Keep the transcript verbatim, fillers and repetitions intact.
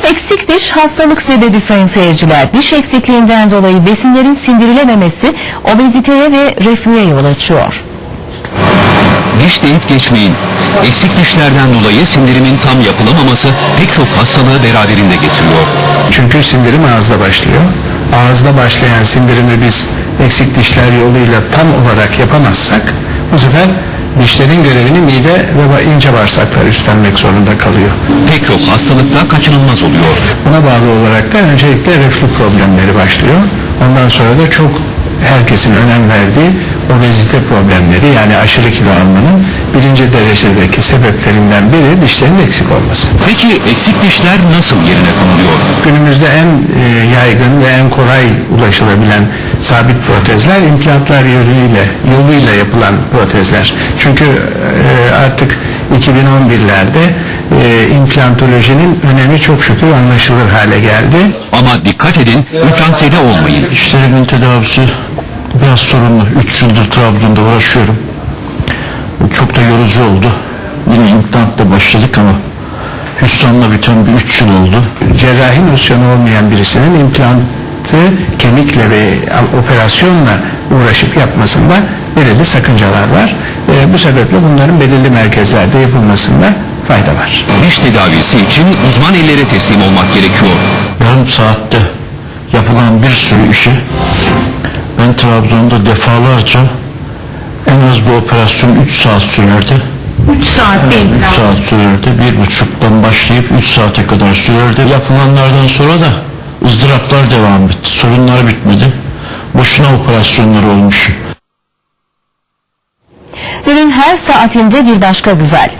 Eksik diş hastalık sebebi sayın seyirciler. Diş eksikliğinden dolayı besinlerin sindirilememesi obeziteye ve reflüye yol açıyor. Diş deyip geçmeyin. Eksik dişlerden dolayı sindirimin tam yapılamaması pek çok hastalığı beraberinde getiriyor. Çünkü sindirim ağızda başlıyor. Ağızda başlayan sindirimi biz eksik dişler yoluyla tam olarak yapamazsak bu sefer dişlerin görevini mide ve ince bağırsaklar üstlenmek zorunda kalıyor. Pek çok hastalıkta kaçınılmaz oluyor. Buna bağlı olarak da öncelikle reflü problemleri başlıyor. Ondan sonra da çok herkesin önem verdiği obezite problemleri, yani aşırı kilo almanın birinci derecedeki sebeplerinden biri dişlerin eksik olması. Peki eksik dişler nasıl yerine konuluyor? Günümüzde en e, yaygın ve en kolay ulaşılabilen sabit protezler implantlar yoluyla, yoluyla yapılan protezler. Çünkü e, artık iki bin on birlerde e, implantolojinin önemi çok şükür anlaşılır hale geldi. Ama dikkat edin, implantsede olmayın. Dişlerimin tedavisi biraz sorunlu. üç yıldır Trabzon'da uğraşıyorum. Çok da yorucu oldu. Yine implantla başladık ama hüsranla biten bir üç yıl oldu. Cerrahi nosyonu olmayan birisinin implantı kemikle ve operasyonla uğraşıp yapmasında belirli sakıncalar var. E, bu sebeple bunların belirli merkezlerde yapılmasında fayda var. Diş tedavisi için uzman ellere teslim olmak gerekiyor. Yarım saatte yapılan bir sürü işi ben Trabzon'da defalarca en az bu operasyon üç saat sürerdi. üç saat değil. üç saat sürerdi. Bir buçuktan başlayıp üç saate kadar sürerdi. Yapılanlardan sonra da ızdıraplar devam etti. Sorunlar bitmedi. Boşuna operasyonlar olmuş. Günün her saatinde bir başka güzel.